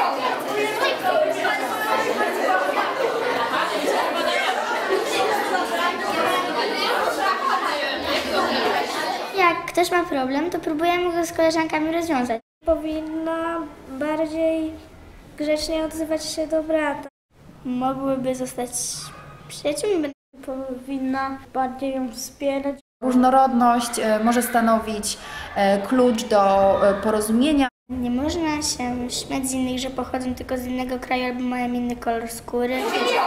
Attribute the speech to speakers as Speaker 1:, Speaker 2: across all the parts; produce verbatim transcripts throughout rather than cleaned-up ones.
Speaker 1: Jak ktoś ma problem, to próbujemy go z koleżankami rozwiązać.
Speaker 2: Powinna bardziej grzecznie odzywać się do brata.
Speaker 1: Mogłyby zostać przyjaciółmi.
Speaker 2: Powinna bardziej ją wspierać.
Speaker 3: Różnorodność może stanowić klucz do porozumienia.
Speaker 1: Nie można się śmiać z innych, że pochodzą tylko z innego kraju albo mają inny kolor skóry.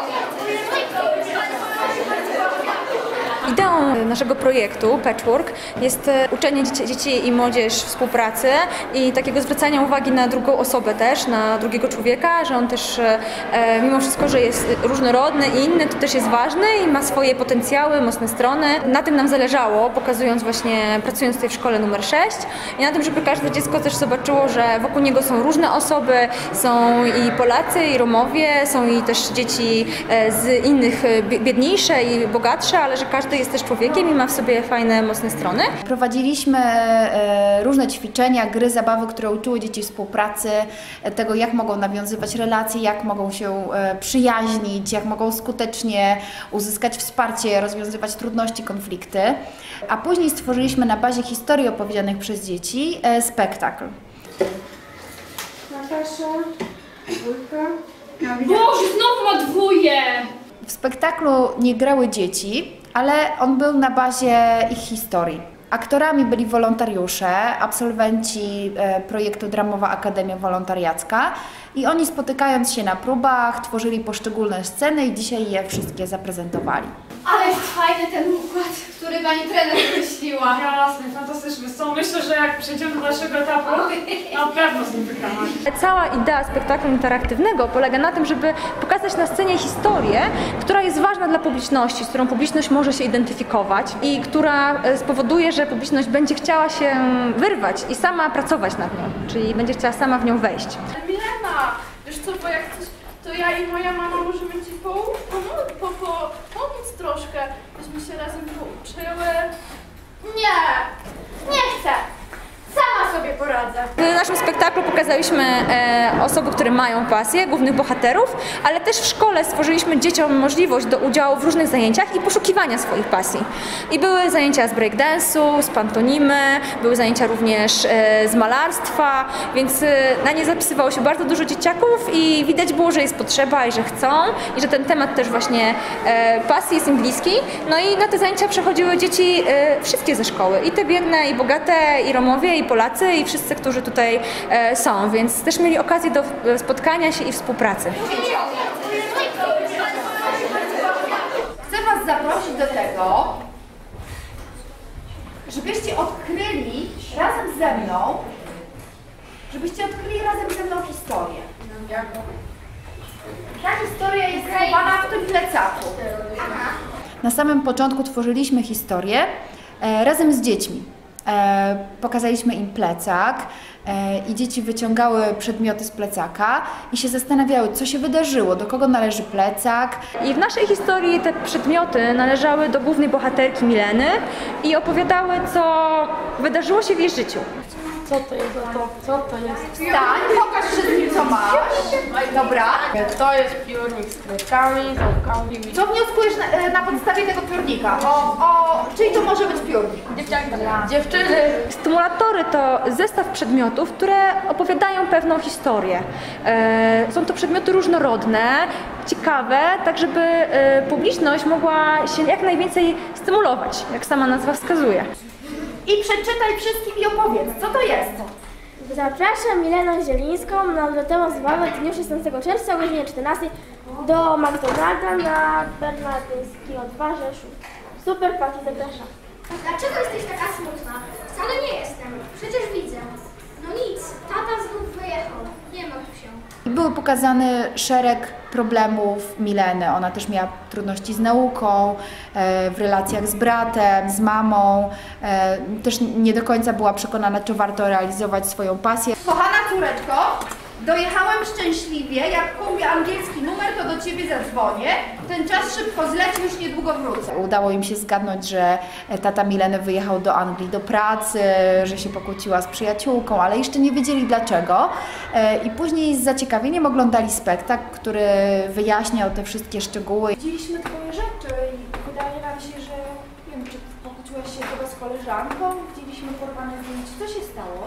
Speaker 4: Ideą naszego projektu Patchwork jest uczenie dzieci, dzieci i młodzież współpracy i takiego zwracania uwagi na drugą osobę też, na drugiego człowieka, że on też e, mimo wszystko, że jest różnorodny i inny, to też jest ważny i ma swoje potencjały, mocne strony. Na tym nam zależało, pokazując właśnie, pracując tutaj w szkole numer sześć i na tym, żeby każde dziecko też zobaczyło, że wokół niego są różne osoby, są i Polacy, i Romowie, są i też dzieci z innych biedniejsze i bogatsze, ale że każdy jest też człowiekiem i ma w sobie fajne, mocne strony.
Speaker 3: Prowadziliśmy e, różne ćwiczenia, gry, zabawy, które uczyły dzieci współpracy, tego jak mogą nawiązywać relacje, jak mogą się e, przyjaźnić, jak mogą skutecznie uzyskać wsparcie, rozwiązywać trudności, konflikty. A później stworzyliśmy na bazie historii opowiedzianych przez dzieci e, spektakl.
Speaker 2: Natasza, dwójka.
Speaker 5: Boże, znowu ma dwóje!
Speaker 3: W spektaklu nie grały dzieci, ale on był na bazie ich historii. Aktorami byli wolontariusze, absolwenci projektu Dramowa Akademia Wolontariacka i oni, spotykając się na próbach, tworzyli poszczególne sceny i dzisiaj je wszystkie zaprezentowali.
Speaker 5: Ale jest fajny ten układ, który pani trener wymyśliła.
Speaker 6: Jasne, fantastyczny. Co myślę, że jak przejdziemy do naszego etapu, na pewno z nim wygramy.
Speaker 4: Cała idea spektaklu interaktywnego polega na tym, żeby pokazać na scenie historię, która jest ważna dla publiczności, z którą publiczność może się identyfikować i która spowoduje, że publiczność będzie chciała się wyrwać i sama pracować nad nią, czyli będzie chciała sama w nią wejść.
Speaker 5: Milena, wiesz co, bo jak chcesz, to ja i moja mama możemy ci pomóc, po, po, pomóc troszkę, byśmy się razem pouczyły. Nie, nie chcę. Sama sobie poradzę.
Speaker 4: W naszym spektaklu pokazaliśmy e, osoby, które mają pasję, głównych bohaterów, ale też w szkole stworzyliśmy dzieciom możliwość do udziału w różnych zajęciach i poszukiwania swoich pasji. I były zajęcia z breakdance'u, z pantonimy, były zajęcia również e, z malarstwa, więc e, na nie zapisywało się bardzo dużo dzieciaków i widać było, że jest potrzeba i że chcą i że ten temat też właśnie e, pasji jest im bliski. No i na te zajęcia przechodziły dzieci e, wszystkie ze szkoły, i te biedne, i bogate, i Romowie, i Polacy, i wszyscy, którzy tutaj e, są, więc też mieli okazję do spotkania się i współpracy.
Speaker 7: Chcę Was zaprosić do tego, żebyście odkryli razem ze mną, żebyście odkryli razem ze mną historię. Ta historia jest schowana w tym plecaku.
Speaker 3: Na samym początku tworzyliśmy historię e, razem z dziećmi. E, pokazaliśmy im plecak e, i dzieci wyciągały przedmioty z plecaka i się zastanawiały, co się wydarzyło, do kogo należy plecak.
Speaker 4: I w naszej historii te przedmioty należały do głównej bohaterki Mileny i opowiadały, co wydarzyło się w jej życiu.
Speaker 6: Co to jest? To, co to jest?
Speaker 7: Wstań, pokaż wszystkim, co masz. Dobra.
Speaker 6: To jest piórnik z kredkami, ząbkami.
Speaker 7: Co wnioskujesz na, na podstawie tego piórnika? O, o, czyli to może być piórnik?
Speaker 6: Dziewczyny!
Speaker 4: Stymulatory to zestaw przedmiotów, które opowiadają pewną historię. E, są to przedmioty różnorodne, ciekawe, tak żeby e, publiczność mogła się jak najwięcej stymulować, jak sama nazwa wskazuje.
Speaker 7: I przeczytaj wszystkim i opowiedz, co to jest?
Speaker 2: Zapraszam Milenę Zielińską na odlotową zabawę w dniu szesnastego czerwca o godzinie czternastej do McDonalda na Bernardyńskiego dwa Rzeszów. Super, Pati, zapraszam.
Speaker 1: Dlaczego jesteś taka smutna? Wcale nie jestem. Przecież widzę. No nic, tata znów wyjechał. Nie martw się.
Speaker 3: I były pokazane szereg problemów Mileny. Ona też miała trudności z nauką, e, w relacjach z bratem, z mamą. E, też nie do końca była przekonana, czy warto realizować swoją pasję.
Speaker 7: Kochana córeczko, Dojechałem szczęśliwie, jak kupię angielski numer, to do ciebie zadzwonię. Ten czas szybko zleci, już niedługo wrócę.
Speaker 3: Udało im się zgadnąć, że tata Mileny wyjechał do Anglii do pracy, że się pokłóciła z przyjaciółką, ale jeszcze nie wiedzieli dlaczego. I później z zaciekawieniem oglądali spektakl, który wyjaśniał te wszystkie szczegóły.
Speaker 7: Widzieliśmy twoje rzeczy i wydaje nam się, że nie wiem, czy pokłóciłaś się chyba z koleżanką, widzieliśmy porwane zdjęcie. Co się stało?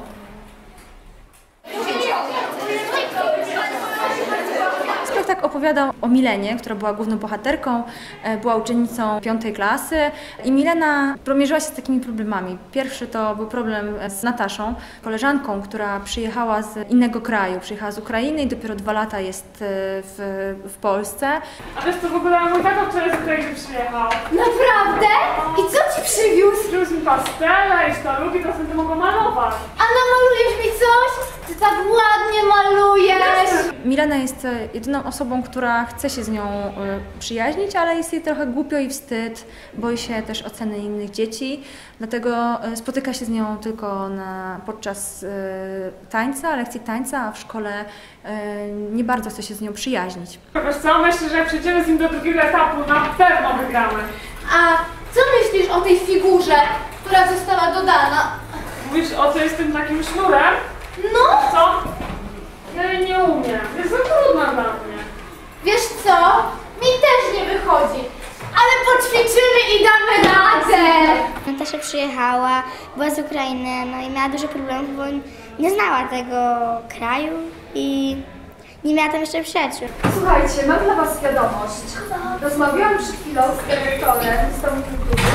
Speaker 4: Spektakl opowiadał o Milenie, która była główną bohaterką, była uczennicą piątej klasy i Milena mierzyła się z takimi problemami. Pierwszy to był problem z Nataszą, koleżanką, która przyjechała z innego kraju, przyjechała z Ukrainy i dopiero dwa lata jest w, w Polsce.
Speaker 6: A wiesz co, w ogóle mój tato wczoraj z Ukrainy przyjechał.
Speaker 1: Naprawdę? I co ci przywiózł?
Speaker 6: Przywiózł mi pastele i sztalugi, to sobie to mogą malować.
Speaker 1: A namalujesz mi coś? Ty tak ładnie malujesz!
Speaker 4: Milena jest jedyną osobą, która chce się z nią przyjaźnić, ale jest jej trochę głupio i wstyd, boi się też oceny innych dzieci, dlatego spotyka się z nią tylko na, podczas tańca, lekcji tańca, a w szkole nie bardzo chce się z nią przyjaźnić.
Speaker 6: Wiesz co, myślę, że jak przejdziemy z nim do drugiego etapu, na pewno wygramy.
Speaker 1: A co myślisz o tej figurze, która została dodana?
Speaker 6: Mówisz o co jest tym takim sznurem?
Speaker 1: No!
Speaker 6: Co? Ja jej nie umiem. Jest za trudna dla mnie.
Speaker 1: Wiesz co? Mi też nie wychodzi. Ale poćwiczymy i damy radę!
Speaker 8: Natasza przyjechała, była z Ukrainy, no i miała dużo problemów, bo nie znała tego kraju i nie miała tam jeszcze przyjaciół.
Speaker 7: Słuchajcie, mam dla was wiadomość. Rozmawiałam przed chwilą z dyrektorem z domu kultury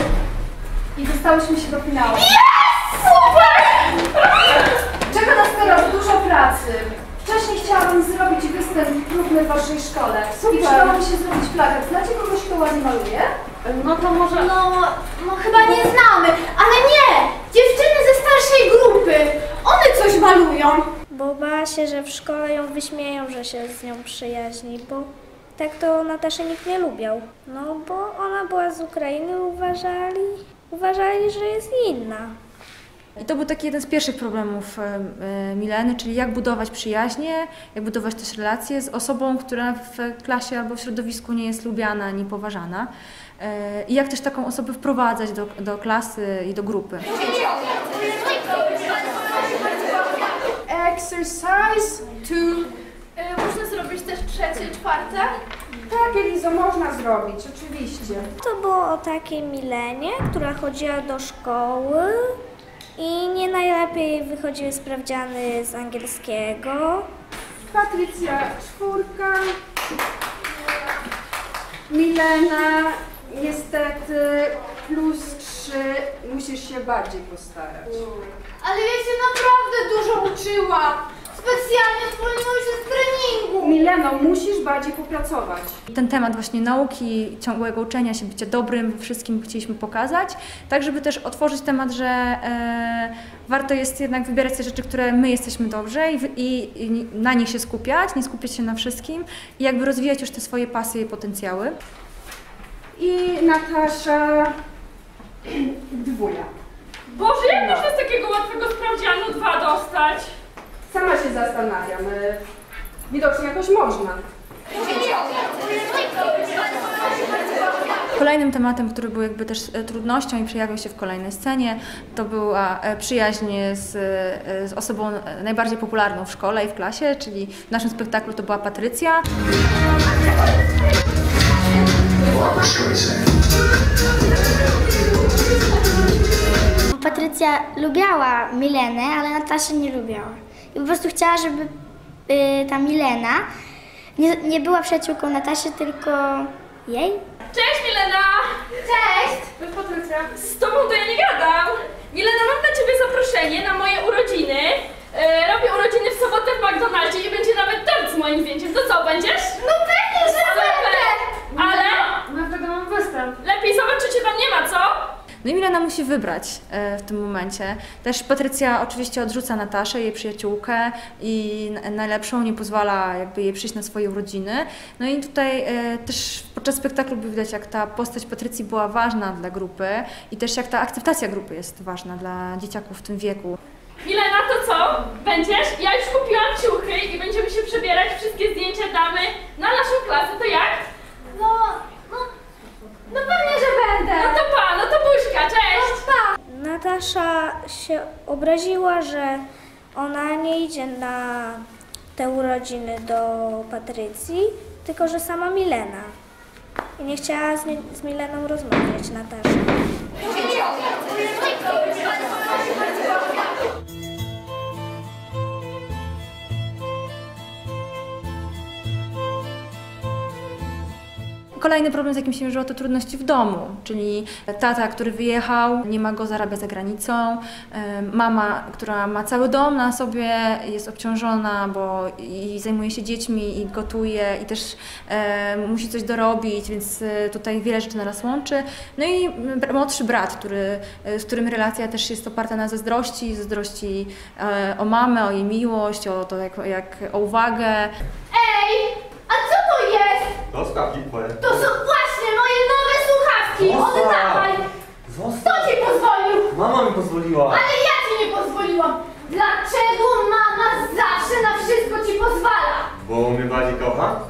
Speaker 7: i dostałyśmy się do finału.
Speaker 1: Jest! Super!
Speaker 7: Czeka nas teraz dużo pracy. Wcześniej chciałabym zrobić występ próbny w waszej szkole. Super. I przydałoby się zrobić plakat. Znacie kogoś, kto ładnie maluje?
Speaker 6: No to może...
Speaker 1: No, no chyba nie znamy, ale nie! Dziewczyny ze starszej grupy! One coś malują!
Speaker 2: Bo bała się, że w szkole ją wyśmieją, że się z nią przyjaźni, bo tak to Nataszę nikt nie lubiał. No bo ona była z Ukrainy, uważali, uważali, że jest inna.
Speaker 4: I to był taki jeden z pierwszych problemów Mileny, czyli jak budować przyjaźnie, jak budować też relacje z osobą, która w klasie albo w środowisku nie jest lubiana ani poważana. I jak też taką osobę wprowadzać do, do klasy i do grupy.
Speaker 7: Exercise two.
Speaker 5: E, można zrobić też trzecie, czwarte?
Speaker 7: Tak, Elizo, można zrobić, oczywiście.
Speaker 2: To było o takiej Milenie, która chodziła do szkoły i nie najlepiej wychodziły sprawdziany z angielskiego.
Speaker 7: Patrycja czwórka. Milena, niestety plus trzy. Musisz się bardziej postarać.
Speaker 1: Ale ja się naprawdę dużo uczyłam! Specjalnie zwolniłam się z treningu!
Speaker 7: Mileno, musisz bardziej popracować.
Speaker 4: Ten temat właśnie nauki, ciągłego uczenia się, bycia dobrym we wszystkim chcieliśmy pokazać, tak żeby też otworzyć temat, że e, warto jest jednak wybierać te rzeczy, które my jesteśmy dobrze i, i, i na nich się skupiać, nie skupiać się na wszystkim i jakby rozwijać już te swoje pasje i potencjały.
Speaker 7: I Natasza dwuja.
Speaker 6: Boże, jak można z takiego łatwego sprawdzianu dwa dostać?
Speaker 7: Sama się zastanawiam. Widocznie jakoś można.
Speaker 4: Kolejnym tematem, który był jakby też trudnością i przejawił się w kolejnej scenie, to była przyjaźń z, z osobą najbardziej popularną w szkole i w klasie, czyli w naszym spektaklu to była Patrycja.
Speaker 8: Patrycja lubiała Milenę, ale Nataszę nie lubiała. I po prostu chciała, żeby y, ta Milena nie, nie była przyjaciółką Nataszy, tylko jej.
Speaker 5: Cześć Milena!
Speaker 1: Cześć!
Speaker 6: Cześć Patrycja.
Speaker 5: Z tobą to ja nie gadam. Milena, mam dla ciebie zaproszenie na moje urodziny. E, robię urodziny w sobotę w McDonaldzie i będzie nawet tort z moim zdjęciem. To co, będziesz?
Speaker 1: No pewnie, że będę!
Speaker 5: Ale
Speaker 6: No wtedy mam występ.
Speaker 5: lepiej zobacz, czy cię tam nie ma, co?
Speaker 4: No i Milena musi wybrać w tym momencie. Też Patrycja oczywiście odrzuca Nataszę, jej przyjaciółkę i najlepszą, nie pozwala jakby jej przyjść na swoje urodziny. No i tutaj też podczas spektaklu by widać, jak ta postać Patrycji była ważna dla grupy i też jak ta akceptacja grupy jest ważna dla dzieciaków w tym wieku.
Speaker 5: Milena, to co? Będziesz? Ja już kupiłam ciuchy i będziemy się
Speaker 2: obraziła, że ona nie idzie na te urodziny do Patrycji, tylko że sama Milena. I nie chciała z, z Mileną rozmawiać, Natasza.
Speaker 4: Kolejny problem, z jakim się mierzyła, to trudności w domu, czyli tata, który wyjechał, nie ma go, zarabia za granicą, mama, która ma cały dom na sobie, jest obciążona, bo i zajmuje się dziećmi i gotuje i też e, musi coś dorobić, więc tutaj wiele rzeczy nas łączy. No i młodszy brat, który, z którym relacja też jest oparta na zazdrości, zazdrości e, o mamę, o jej miłość, o to jak, jak o uwagę.
Speaker 1: Ej, a co to jest?
Speaker 9: To słuchawki twoje.
Speaker 1: To są właśnie moje nowe słuchawki! Oddawaj! Kto
Speaker 9: Zostaw!
Speaker 1: ci pozwolił?
Speaker 9: Mama mi pozwoliła.
Speaker 1: Ale ja ci nie pozwoliłam! Dlaczego mama zawsze na wszystko ci pozwala?
Speaker 9: Bo mnie bardziej kocha?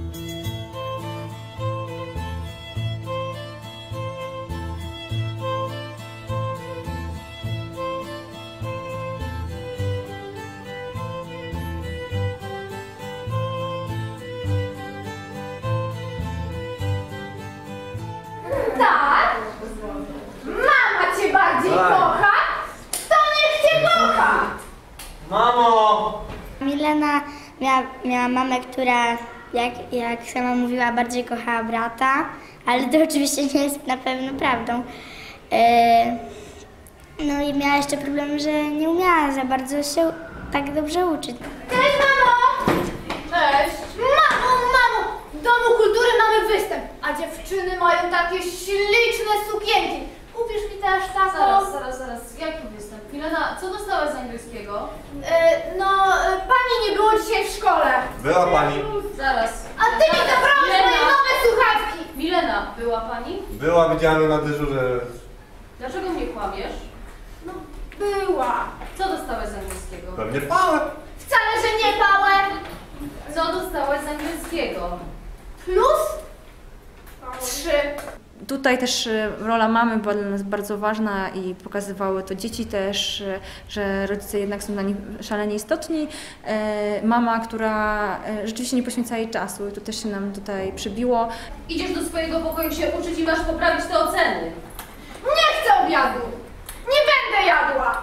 Speaker 1: Tak? Mama cię bardziej
Speaker 9: Tak.
Speaker 1: kocha? To niech cię kocha!
Speaker 9: Mamo!
Speaker 8: Milena miała, miała mamę, która, jak, jak sama mówiła, bardziej kochała brata, ale to oczywiście nie jest na pewno prawdą. E, no i miała jeszcze problem, że nie umiała za bardzo się tak dobrze uczyć.
Speaker 1: Cześć, mamo! Cześć! Mamo, mamo! W Domu Kultury mamy występ, a dziewczyny mają takie śliczne sukienki. Kupisz mi też taką?
Speaker 10: Zaraz, zaraz, zaraz. Jaki występ? Milena, co dostałaś z angielskiego?
Speaker 1: E, no, e, pani nie było dzisiaj w szkole.
Speaker 9: Była pani.
Speaker 10: Zaraz.
Speaker 1: A ty mi zabrałeś moje nowe słuchawki!
Speaker 10: Milena, była pani?
Speaker 9: Była, widziałem ją na dyżurze.
Speaker 10: Dlaczego mnie kłamiesz?
Speaker 1: No, była.
Speaker 10: Co dostałaś z angielskiego?
Speaker 9: Pewnie pałę.
Speaker 1: Wcale, że nie pałę.
Speaker 10: Co dostałaś z angielskiego?
Speaker 1: Plus trzy.
Speaker 4: Tutaj też rola mamy była dla nas bardzo ważna i pokazywały to dzieci też, że rodzice jednak są dla nich szalenie istotni. Mama, która rzeczywiście nie poświęca jej czasu i to też się nam tutaj przybiło.
Speaker 10: Idziesz do swojego pokoju się uczyć i masz poprawić te oceny.
Speaker 1: Nie chcę obiadu. Nie będę jadła.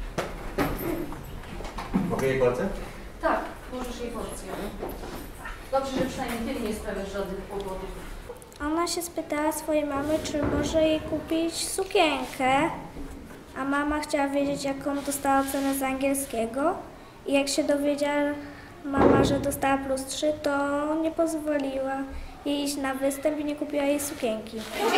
Speaker 9: Mogę jej porcję?
Speaker 10: Tak, możesz jej porcję. Dobrze, że przynajmniej ty nie sprawiasz żadnych kłopotów.
Speaker 2: Ona się spytała swojej mamy, czy może jej kupić sukienkę, a mama chciała wiedzieć, jaką dostała ocenę z angielskiego. I jak się dowiedziała mama, że dostała plus trzy, to nie pozwoliła jej iść na występ i nie kupiła jej sukienki.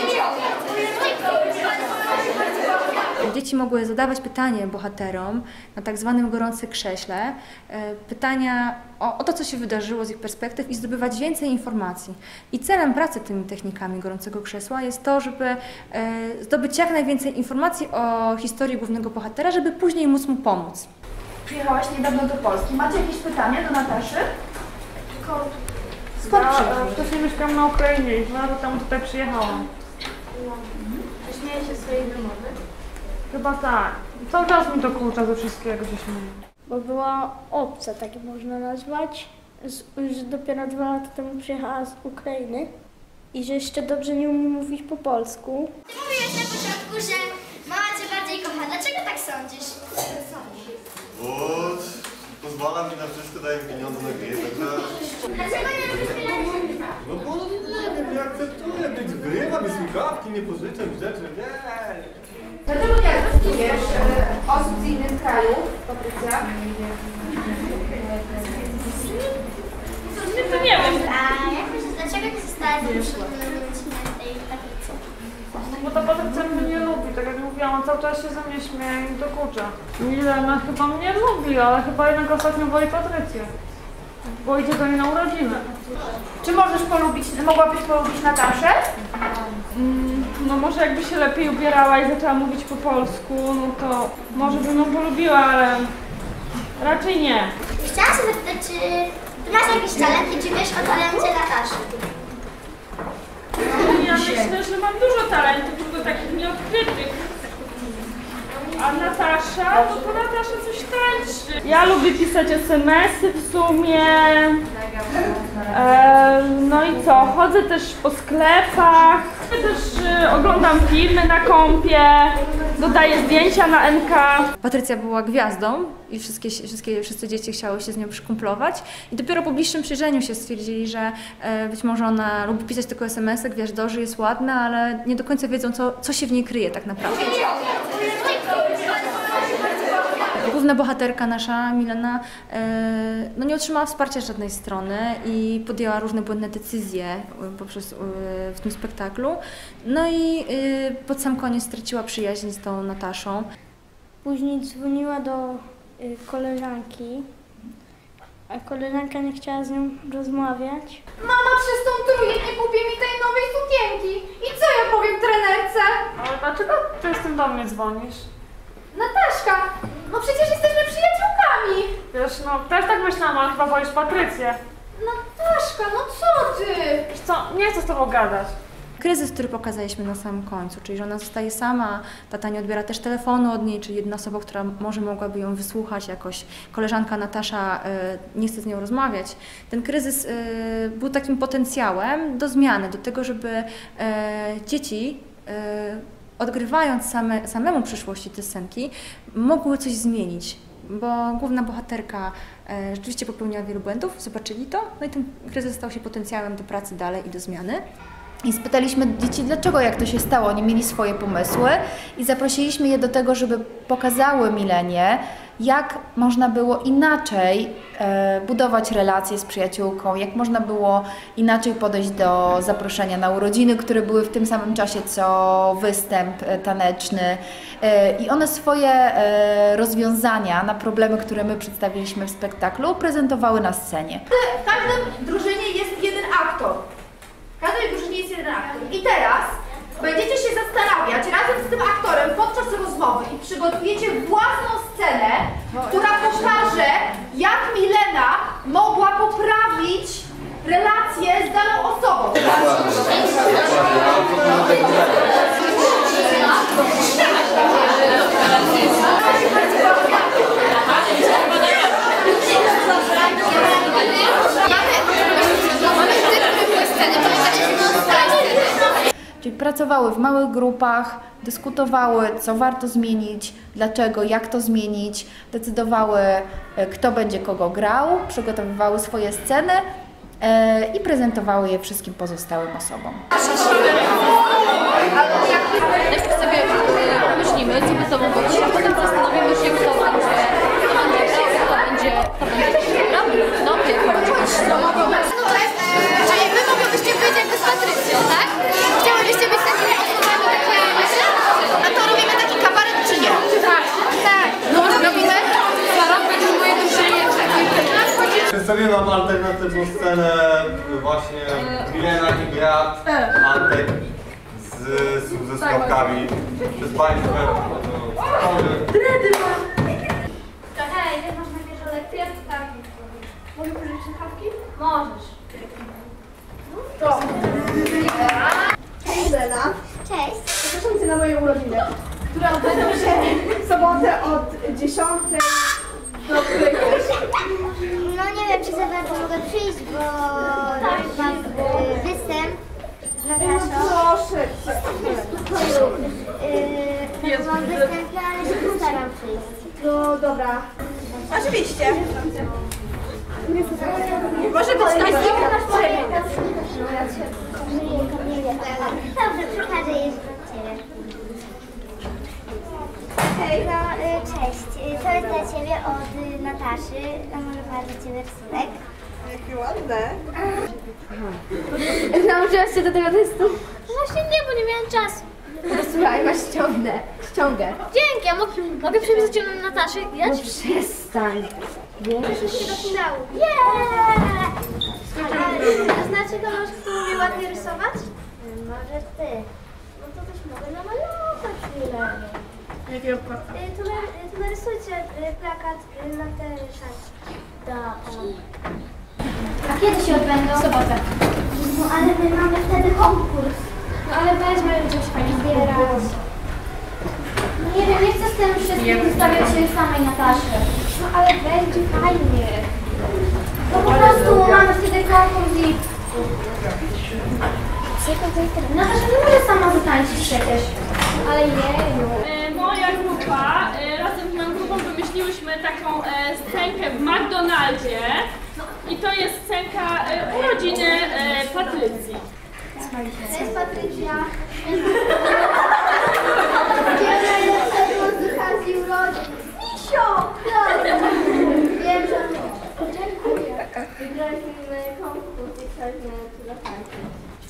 Speaker 4: Dzieci mogły zadawać pytanie bohaterom na tak zwanym gorącym krześle, pytania o, o to, co się wydarzyło z ich perspektyw i zdobywać więcej informacji. I celem pracy tymi technikami gorącego krzesła jest to, żeby e, zdobyć jak najwięcej informacji o historii głównego bohatera, żeby później móc mu pomóc.
Speaker 7: Przyjechałaś niedawno do Polski. Macie jakieś pytania do Nataszy?
Speaker 6: Skąd ja wcześniej mieszkałam na Ukrainie i dwa lata temu tutaj przyjechałam.
Speaker 1: Śmieję się swojej wymowy.
Speaker 6: Chyba tak. Cały czas mi to kurcza ze wszystkiego się śmieje.
Speaker 2: Bo była obca, tak można nazwać, z, że dopiero dwa lata temu przyjechała z Ukrainy i że jeszcze dobrze nie umie mówić po polsku.
Speaker 8: Ty mówiłeś na początku, że mama cię bardziej kocha. Dlaczego tak sądzisz?
Speaker 9: Bo pozwala mi na wszystko, daje mi pieniądze na gry, także...
Speaker 8: Dlaczego nie lubisz pieniędzy?
Speaker 9: No bo nie wiem, nie akceptuję być grywa, mi słuchawki, nie pożyczę mi rzeczy, nie.
Speaker 7: Dlaczego nie akceptujesz e, osób z innych krajów, Patrycja?
Speaker 6: To nie wiem,
Speaker 8: A jak myślisz, dlaczego nie zostałaś zaproszona na tej Patrycji?
Speaker 6: bo ta Patrycja mnie nie lubi, tak jak mówiłam, on cały czas się ze mnie śmieje i dokucza. Milena chyba mnie lubi, ale chyba jednak ostatnio woli Patrycję, bo idzie do niej na urodziny.
Speaker 7: Czy możesz polubić, mogłabyś polubić Nataszę?
Speaker 6: Mm, no może jakby się lepiej ubierała i zaczęła mówić po polsku, no to może bym ją polubiła, ale raczej nie.
Speaker 8: Chciałam się zapytać, czy ty masz jakiś talent i czy wiesz o talencie Nataszy?
Speaker 6: Ja myślę, że mam dużo talentów, tylko takich nieodkrytych. A na Natasza, no to Natasza coś tańczy. Ja lubię pisać es em esy w sumie. E, no i co, chodzę też po sklepach, też e, oglądam filmy na kompie, dodaję zdjęcia na en ka.
Speaker 4: Patrycja była gwiazdą i wszystkie, wszystkie, wszyscy dzieci chciały się z nią przykumplować i dopiero po bliższym przyjrzeniu się stwierdzili, że e, być może ona lubi pisać tylko es em esy, gwiazdorzy, jest ładna, ale nie do końca wiedzą, co, co się w niej kryje tak naprawdę. Główna bohaterka nasza, Milena, e, no nie otrzymała wsparcia z żadnej strony i podjęła różne błędne decyzje poprzez, e, w tym spektaklu. No i e, pod sam koniec straciła przyjaźń z tą Nataszą.
Speaker 2: Później dzwoniła do y, koleżanki, a koleżanka nie chciała z nią rozmawiać.
Speaker 1: Mama przez tą trójkę nie kupi mi tej nowej sukienki. I co ja powiem trenerce?
Speaker 6: Ale dlaczego ty z tym do mnie dzwonisz?
Speaker 1: Nataszka, no przecież jesteśmy przyjaciółkami.
Speaker 6: Wiesz, no też tak myślałam, ale chyba wolisz Patrycję.
Speaker 1: Nataszka, no co ty?
Speaker 6: Wiesz co, nie chcę z tobą gadać.
Speaker 4: Kryzys, który pokazaliśmy na samym końcu, czyli że ona zostaje sama, tata nie odbiera też telefonu od niej, czyli jedna osoba, która może mogłaby ją wysłuchać jakoś, koleżanka Natasza y, nie chce z nią rozmawiać. Ten kryzys y, był takim potencjałem do zmiany, do tego, żeby y, dzieci y, odgrywając same, samemu przyszłości te scenki, mogły coś zmienić, bo główna bohaterka e, rzeczywiście popełniła wielu błędów, zobaczyli to, no i ten kryzys stał się potencjałem do pracy dalej i do zmiany.
Speaker 3: I spytaliśmy dzieci, dlaczego, jak to się stało. Oni mieli swoje pomysły i zaprosiliśmy je do tego, żeby pokazały Milenie, jak można było inaczej e, budować relacje z przyjaciółką, jak można było inaczej podejść do zaproszenia na urodziny, które były w tym samym czasie co występ e, taneczny. E, I one swoje e, rozwiązania na problemy, które my przedstawiliśmy w spektaklu, prezentowały na scenie.
Speaker 1: W każdej drużynie jest jeden aktor. W każdej drużynie jest jeden aktor. I teraz będziecie się zastanawiać razem z tym aktorem podczas rozmowy i przygotujecie własną scenę, która pokaże, jak Milena mogła poprawić relacje z daną osobą.
Speaker 3: Czyli pracowały w małych grupach, dyskutowały, co warto zmienić, dlaczego, jak to zmienić, decydowały, kto będzie kogo grał, przygotowywały swoje sceny e, i prezentowały je wszystkim pozostałym osobom.
Speaker 10: Najpierw sobie myślimy, co by sobą powiedzieć, a potem zastanowimy się, kto będzie, kto będzie grał, kto będzie, kto będzie grał, no ty, kto będzie grał.
Speaker 1: Czyli wy mogłybyście być jakby z Patrycją, tak? Chciałybyście być takimi osobami, takie myślę? A to robimy taki kabaret czy nie? Tak, tak. No robimy? Zaraz będziesz moje drużynie.
Speaker 9: Przedstawiłem wam alternatywną scenę, właśnie Milena i Grat, Antek z, ze skałkami. Przez Państwa.
Speaker 1: Hej, ty masz na pierwszą lekcję? Tak. Mogę pożyczyć słuchawki? Możesz. To.
Speaker 7: Cześć Lena.
Speaker 8: Cześć.
Speaker 7: Zapraszam Cię na moje urodziny, które odbędą się w sobotę od dziesiątej do któregoś.
Speaker 8: No nie wiem, czy za bardzo mogę przyjść, bo mam y, występ z Nataszą.
Speaker 7: Proszę Cię.
Speaker 8: Yy, mam występ, no ale się postaram przyjść.
Speaker 7: No dobra.
Speaker 1: Oczywiście. Może być taki.
Speaker 8: Dobrze, przekażę je do Ciebie. Hej. No, y, cześć. Y, To jest dla Ciebie od y, Nataszy. Namalowała dla Ciebie rysunek.
Speaker 7: Jakie ładne.
Speaker 1: Nauczyłaś się do tego testu?
Speaker 8: Właśnie nie, bo nie miałam czasu.
Speaker 1: Słuchaj, masz ściągnę. Ściągę.
Speaker 8: Dzięki, a mogę, mogę przepisać ją na Nataszy? Ja
Speaker 1: No przestań.
Speaker 8: Wiesz, się dopinało. Yeah! A znaczy, to masz, kto umie ładnie rysować? Może ty. No to też mogę namalować chwilę.
Speaker 7: Jakiego plakatu?
Speaker 8: Y, Tu, na- y, tu narysujcie y, plakat y, na te szanki. Dobrze. A kiedy się odbędą? W sobotę. No ale my mamy wtedy konkurs. No ale weźmy gdzieś pani zbierać. No Nie wiem, nie chcę z tym wszystkim wystawiać się samej Nataszy. No ale będzie fajnie. No po prostu mamy wtedy konkurs i... Natasza nie może sama zatańczyć przecież. Ale jeju.
Speaker 5: E, Moja grupa, e, razem z moją grupą wymyśliłyśmy taką e, scenkę w McDonaldzie. I to jest scenka e, urodziny e, Patrycji.
Speaker 8: To jest Patrycja. Misio! Wiem, że... Dziękuję. Wygraliśmy konkurs i chcieliśmy tu zatańczyć.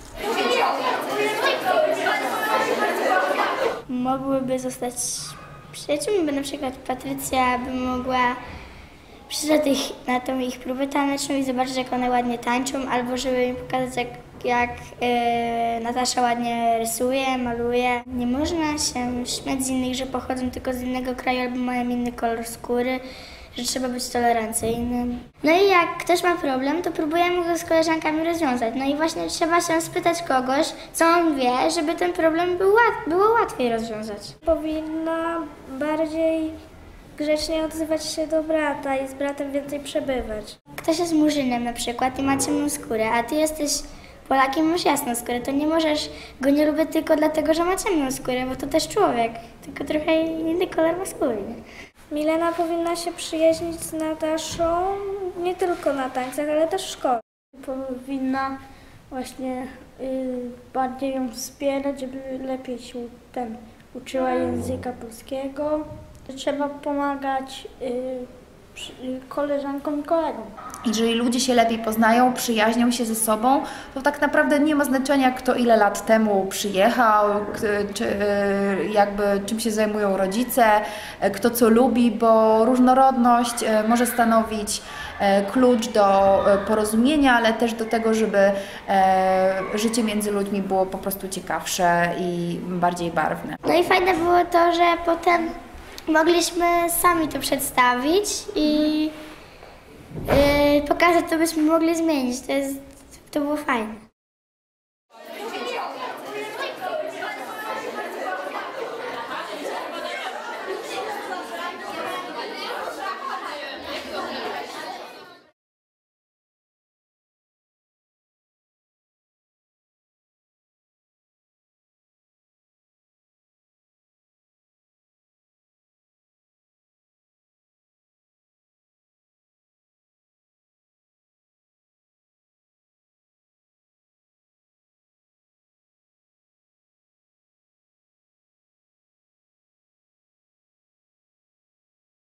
Speaker 8: Mogłyby zostać przyjaciółmi, bo na przykład Patrycja by mogła przyjść na, tych, na tą ich próbę taneczną i zobaczyć, jak one ładnie tańczą, albo żeby im pokazać, jak, jak yy, Natasza ładnie rysuje, maluje. Nie można się śmiać z innych, że pochodzą tylko z innego kraju albo mają inny kolor skóry, że trzeba być tolerancyjnym. No i jak ktoś ma problem, to próbujemy go z koleżankami rozwiązać. No i właśnie trzeba się spytać kogoś, co on wie, żeby ten problem był łat było łatwiej rozwiązać.
Speaker 2: Powinna bardziej grzecznie odzywać się do brata i z bratem więcej przebywać.
Speaker 8: Ktoś jest murzynem na przykład i ma ciemną skórę, a ty jesteś Polakiem, masz jasną skórę, to nie możesz go nie lubić tylko dlatego, że ma ciemną skórę, bo to też człowiek, tylko trochę inny kolor ma skóry.
Speaker 2: Milena powinna się przyjaźnić z Nataszą nie tylko na tańcach, ale też w szkole.
Speaker 11: Powinna właśnie y, bardziej ją wspierać, żeby lepiej się ten, uczyła języka polskiego. Trzeba pomagać y, przy, y, koleżankom i kolegom.
Speaker 3: Jeżeli ludzie się lepiej poznają, przyjaźnią się ze sobą, to tak naprawdę nie ma znaczenia, kto ile lat temu przyjechał, czy jakby czym się zajmują rodzice, kto co lubi, bo różnorodność może stanowić klucz do porozumienia, ale też do tego, żeby życie między ludźmi było po prostu ciekawsze i bardziej barwne.
Speaker 8: No i fajne było to, że potem mogliśmy sami to przedstawić i Yy, pokazać, to byśmy mogli zmienić. To, jest, to było fajne.